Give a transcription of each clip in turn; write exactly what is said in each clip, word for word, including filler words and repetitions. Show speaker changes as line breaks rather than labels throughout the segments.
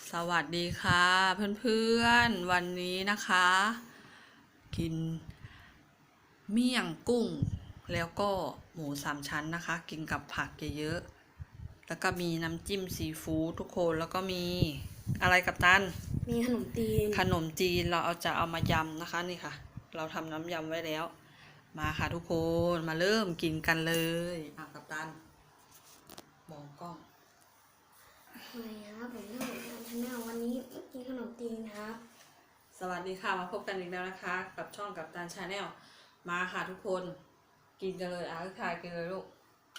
สวัสดีค่ะเพื่อนๆวันนี้นะคะ กินเมี่ยงกุ้งแล้วก็หมูสามชั้นนะคะ กินกับผักเยอะๆแล้วก็มีน้ำจิ้มซีฟู้ดทุกคนแล้วก็มีอะไรกับตัน
มีขนมจีน
ขนมจีนเราเอาจะเอามายำนะคะนี่ค่ะ เราทำน้ำยำไว้แล้ว มาค่ะทุกคนมาเริ่มกินกันเลยอ่ะกับตันมองกล้อง
สวัสดีครับผมชื่อผมชาแนลวันนี้กินขนมจีนครับ
สวัสดีค่ะมาพบกันอีกแล้วนะคะ กับช่องกับตันชาแนลมาค่ะทุกคนกินกันเลยอ่ะทุกทายกินเลยลูก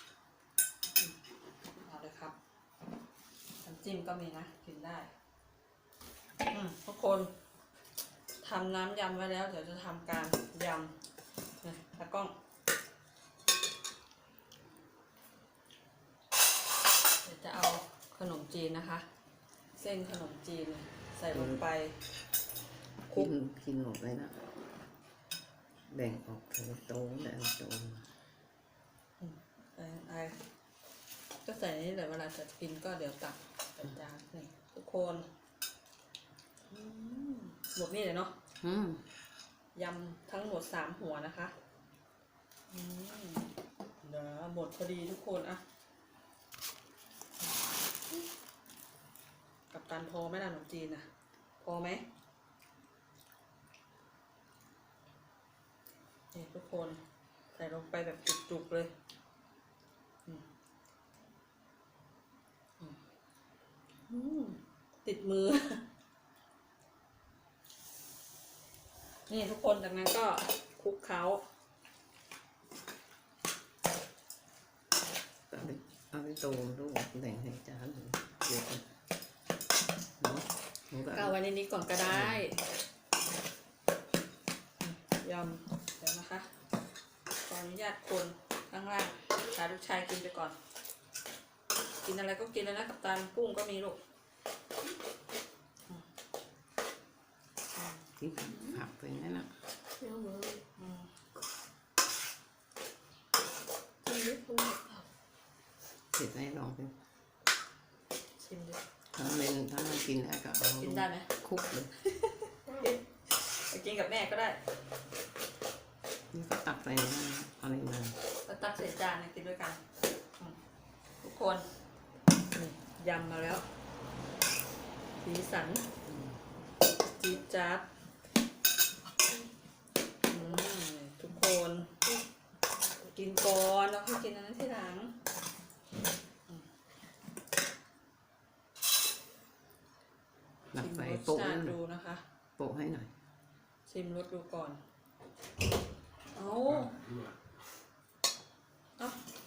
เอาเลยครับน้ำจิ้มก็มีนะกินได้ทุกคนทำน้ำยำไว้แล้วเดี๋ยวจะทำการยำนะตากล้องเดี๋ยวจะเอาขนมจีนนะคะ เส้นขนมจีนใส่ลงไป
กินกินหมดเลยนะแบ่งออกเป็นโต๊ะแบ่งโต๊ะ
ไอ้ไอ้ก็ใส่นี่แหละเวลาจะกินก็เดี๋ยวตักใส่จานนี่ทุกคนหมดนี่เลยเนาะยำทั้งหมดสามหัวนะคะเดี๋ยวหมดพอดีทุกคนอะกับตันพอไหมล่ะขนมจีนอะพอไหมนี่ทุกคนใส่ลงไปแบบจุกๆเลยติดมือนี่ทุกคนจากนั้นก็คลุกเคล้า
เอาไปเอาไปโต๊ะลูกแบ่งให้จานเดี๋ยว
ก็เอาไว้ในนี้ก่อนก็ได้ยำเดี๋ยวนะคะขออนุญาตคนข้างล่างพาลูกชายกินไปก่อนกินอะไรก็กินแล้วนะกับตันกุ้งก็มีลูก
กินผักไปนั่นนะ
เนื้อหมู
เสร็จให้ลองไป
ชิมดิ
ถ้ามันถ้ามันกินได้ก็เอา
กินได้ไหม
คุกเลย
ไปกินกับแม่ก็ได้
นี่ก็ตักใส่นั่นอะไรมา
ก็ตักใส่จานกินด้วยกันทุกคนยำมาแล้วสีสันจี๊ดจ๊าดทุกคนกินก่อนแล้วค่อยกินอันนั้นทีหลัง
หลักใส่โปะ
ดูนะคะ
โปะให้หน่อย
ชิมรสดูก่อนเอาเอา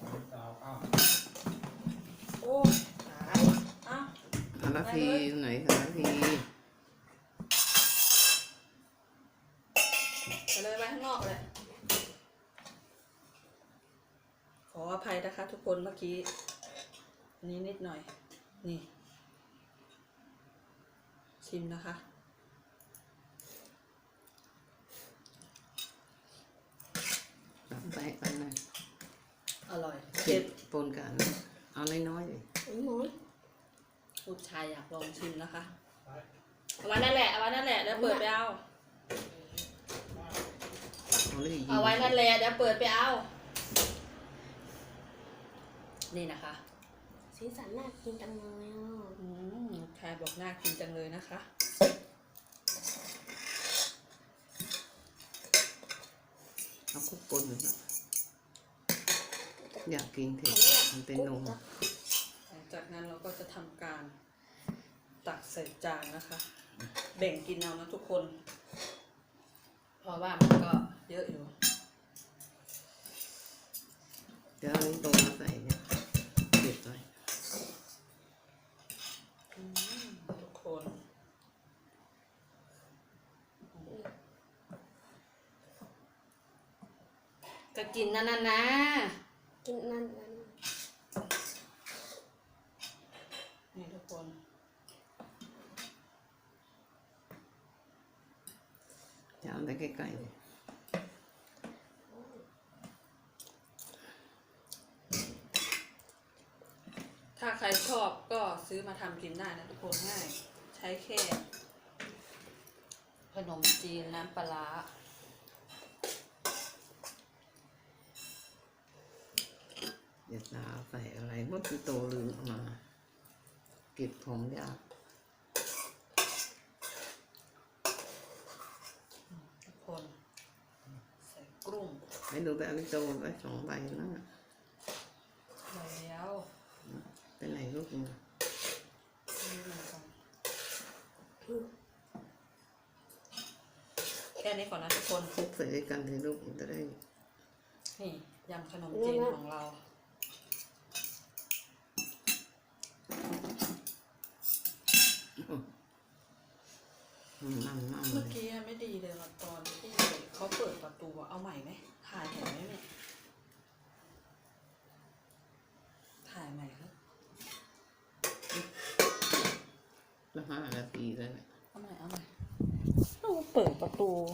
โอ้ตายอ่ะ
อาราพีไหนอาราพี
ไปเลยไปข้างนอกเลยขออภัยนะคะทุกคนเมื่อกี้อันนี้นิดหน่อยนี่ชิมนะคะ
ไปกันเลย
อร่อย
เผ็ดปนกันเอาน้อยๆเลย
ลูกชายอยากลองชิมนะคะเอาไว้นั่นแหละเอาไว้นั่นแหละเดี๋ยวเปิดไปเอาเอาไว้นั่นแหละเดี๋ยวเปิดไปเอานี่นะคะ
สีสันน่ากินจังเลยอ่ะ
อืมชายบอกน่ากินจังเลยนะคะ
เอาคุกปนเลยนะอยากกินเผ็ดมันเป็นนม
หลังจากนั้นเราก็จะทำการตักใส่จานนะคะแบ่งกินเอานะทุกคนเพราะว่ามันก็เยอะอยู่
เดี๋ยวเอาตรงมาใส่เนี่ยเด็ดหน่อย
ทุกคนก็กินนั่นน่ะนะ
กินนั่นนั่น
นี่ทุกคน
จะเอาไปใกล้ๆเลย
ถ้าใครชอบก็ซื้อมาทำกินได้นะทุกคนง่ายใช้แค่ขนมจีนน้ำปลาร้า
เดี๋ยวตาใส่อะไรเมื่อพี่โตลืมเอามาเก็บของยาก
ทุกคนใส่กรุ้ง
ไม่ดูแบบพี่โตไว้สองใบนั่นน่ะ
ใส่แล้ว
ไปไหนลูกเนี่ย
นี่เหมือนกันแค่นี้ก่อนนะทุกคน
คลุกใส่ด้วยกันเลยลูกมันจะได้
นี่ยำขนมจีนของเรา
นั่งนั่งเล
เมื่อย กี้ไม่ดีเลยว่ะตอนที่เขาเปิดประตูอะเอาใหม่ไหมถ่ายเห็นไหมเนี่ย ถ่ายใหม่ครับ
แล้วห้านาทีแล้วเนี่ย
เอาใหม่เอาใหม่เราเปิดประตู